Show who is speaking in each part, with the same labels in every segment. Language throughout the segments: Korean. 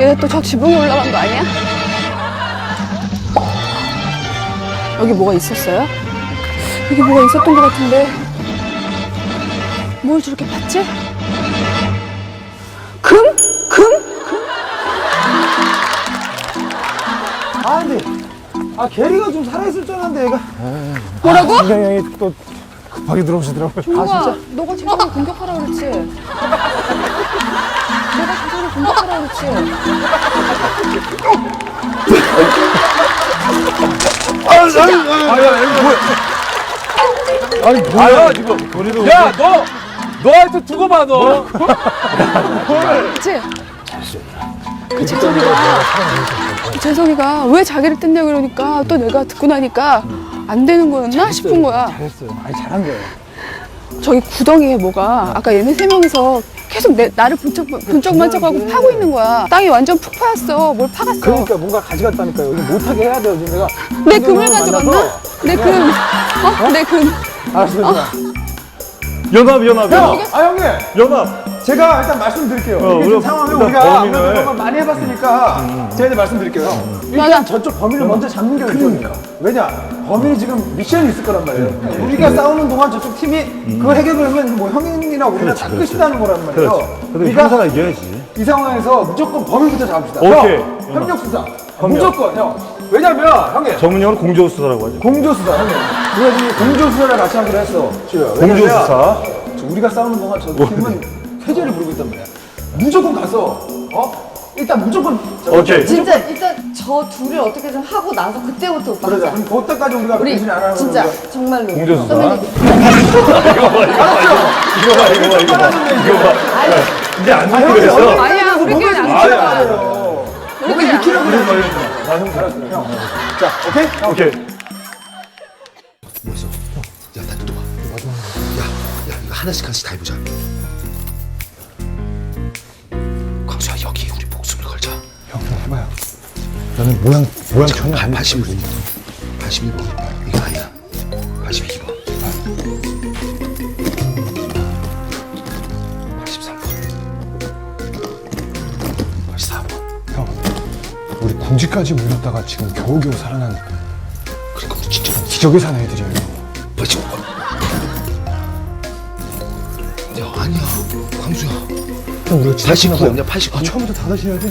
Speaker 1: 얘네 또 저 지붕에 올라간 거 아니야? 여기 뭐가 있었어요? 여기 뭐가 있었던 것 같은데 뭘 저렇게 봤지? 금?
Speaker 2: 아 근데 게리가 좀 살아있을 줄 알았는데 얘가.
Speaker 1: 뭐라고?
Speaker 2: 선생님이 또 급하게 들어오시더라고요.
Speaker 1: 종국아, 너가 재성을 공격하라 그랬지? 너가 재성을 공격하라 그랬지?
Speaker 2: 아니 뭐야 지금.
Speaker 3: 야, 너한테 두고 봐, 너.
Speaker 1: 그치? 그 재성이가 왜 자기를 뜯냐 그러니까 또 내가 듣고 나니까 안 되는 거였나 싶은 거야.
Speaker 2: 잘했어요. 아니 잘한 거예요.
Speaker 1: 저기 구덩이에 뭐가 아까 얘네 세 명이서 계속 나를 bun쩍bun쩍하고 파고 있는 거야. 땅이 완전 푹 파였어. 뭘 파갔어.
Speaker 2: 그러니까 뭔가 가져갔다니까요. 이거 못하게 해야 돼요. 지금 내가.
Speaker 1: 내 금을 가져갔나? 내 금. 내 금.
Speaker 2: 알았어요.
Speaker 4: 연합.
Speaker 2: 형! 형님!
Speaker 4: 연합.
Speaker 2: 제가 일단 말씀드릴게요. 이게
Speaker 4: 우리가
Speaker 2: 지금 상황을
Speaker 4: 일단
Speaker 2: 우리가
Speaker 4: 범인을-
Speaker 2: 아무래도 이런 걸 많이 해봤으니까 제가 이제 말씀드릴게요. 일단
Speaker 1: 맞아.
Speaker 2: 저쪽 범인을 먼저 잡는 게 우선이에요. 왜냐? 범인이 지금 미션이 있을 거란 말이에요. 우리가 싸우는 동안 저쪽 팀이 그걸 해결하면 뭐 형이나 우리나 다 끝이다는 거란 말이에요.
Speaker 4: 그래도 형사가 이겨야지.
Speaker 2: 이 상황에서 무조건 범인부터 잡읍시다.
Speaker 4: 오케이.
Speaker 2: 형, 협력수사. 무조건 형. 왜냐면 형님
Speaker 4: 전문용어로 공조수사라고 하죠.
Speaker 2: 공조수사 형님. 우리가 지금 공조수사를 같이 하기로 했어. 지효야.
Speaker 4: 공조수사.
Speaker 2: 우리가 싸우는 동안 저 팀은 쾌재를 부르고 있단 말이야. 무조건 가서 일단 무조건
Speaker 4: 오케이.
Speaker 5: 진짜 일단 저 둘을 어떻게든 하고 나서 그때부터 오빠
Speaker 2: 그러자.
Speaker 5: 하자.
Speaker 2: 그럼 그때까지 우리가
Speaker 5: 우리
Speaker 2: 변신 안 하는
Speaker 5: 진짜
Speaker 2: 거야.
Speaker 5: 정말로
Speaker 4: 공조수사.
Speaker 5: 선배님.
Speaker 4: 이거 봐. 이제 안 듣기로 했어.
Speaker 1: 아니야, 우리끼리는 안
Speaker 2: 안
Speaker 1: 들어.
Speaker 2: 말이에요.
Speaker 1: 우리끼리 안
Speaker 2: 키라고 그래. 형. 자, 오케이?
Speaker 4: 오케이.
Speaker 6: 뭐였어? 야, 나 또 봐. 야, 이거 하나씩 다 해보자. 광수야, 여기 우리 목숨을 걸자.
Speaker 2: 형, 해봐요. 나는 모양 전혀
Speaker 6: 81번. 81번. 이거 아니야. 82번. 83번. 84번.
Speaker 2: 형, 우리 궁지까지 물렸다가 지금 겨우겨우 살아난
Speaker 6: 그러니까 우리 진짜
Speaker 2: 기적의 사나이들이에요.
Speaker 6: 뭐지? 야, 아니야. 광수야.
Speaker 2: 형, 우리가
Speaker 6: 89 없냐? 89.
Speaker 2: 처음부터 다 다시 해야 돼.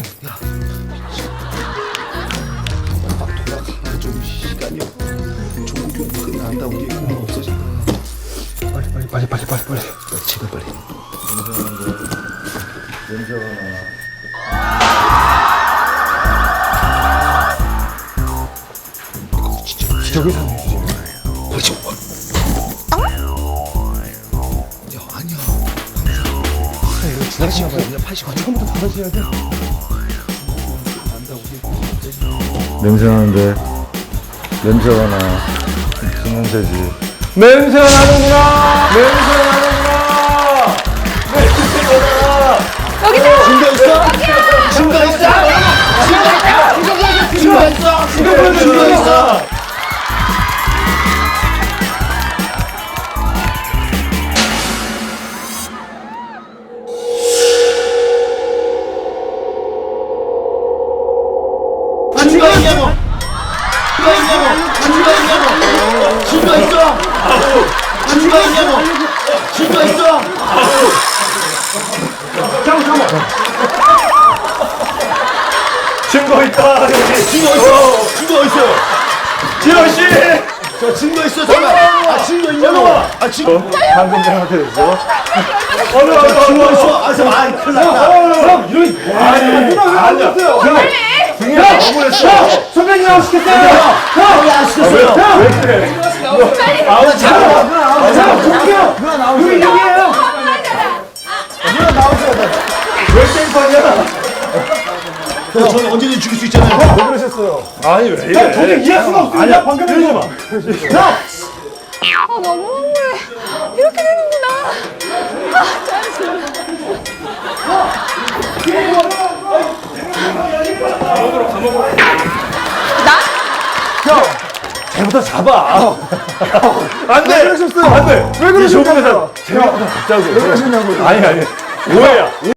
Speaker 6: 돌아가. 좀 시간이 없다. 종국이 형 끝난다. 우리 그거 없어진다.
Speaker 2: 빨리.
Speaker 6: 제발 빨리.
Speaker 2: 기적의 사나이들이에요.
Speaker 6: 뭐지? 야, 아니야.
Speaker 2: 이거
Speaker 6: 지금 없냐? 89.
Speaker 2: 처음부터 다 다시 해야 돼.
Speaker 4: 냄새 나는데. 냄새가 나. 신냄새지.
Speaker 2: 냄새가 나는구나.
Speaker 6: 증거 있어? 증거 있어? 증거 있어? 증거 있냐고? 증거 있냐고? 증거 있어? 증거 있냐고? 증거 있어?
Speaker 4: 증거 있다.
Speaker 6: 증거 있어? 증거 있어?
Speaker 4: 진호 씨.
Speaker 6: 저 증거 있어? 잠깐. 증거 있냐고? 증거
Speaker 4: 방금 전한테 됐어.
Speaker 6: 증거 있어? 큰일 났다.
Speaker 4: 아니야.
Speaker 2: 야, 선배님 하고 시켰어요.
Speaker 6: 안 시켰어요.
Speaker 4: 왜 그래?
Speaker 2: 누나 나오세요.
Speaker 4: 왜 땡판이야?
Speaker 6: 저는 언제든지 죽일 수 있잖아요.
Speaker 2: 왜 그러셨어요?
Speaker 4: 아니 왜 이래?
Speaker 2: 도저히 이해할 수가 없어요.
Speaker 4: 아니야.
Speaker 2: 방금
Speaker 4: 이러지 마.
Speaker 1: 아, 너무 흥분해. 이렇게 되는구나. 아, 짜증나. 나?
Speaker 4: 쟤부터 잡아. 안 돼.
Speaker 2: 왜 그러셨어요?
Speaker 4: 안 돼.
Speaker 2: 왜 그러셨냐고요?
Speaker 4: 쟤부터 잡자고.
Speaker 2: 왜 그러셨냐고요?
Speaker 4: 아니. 오해야.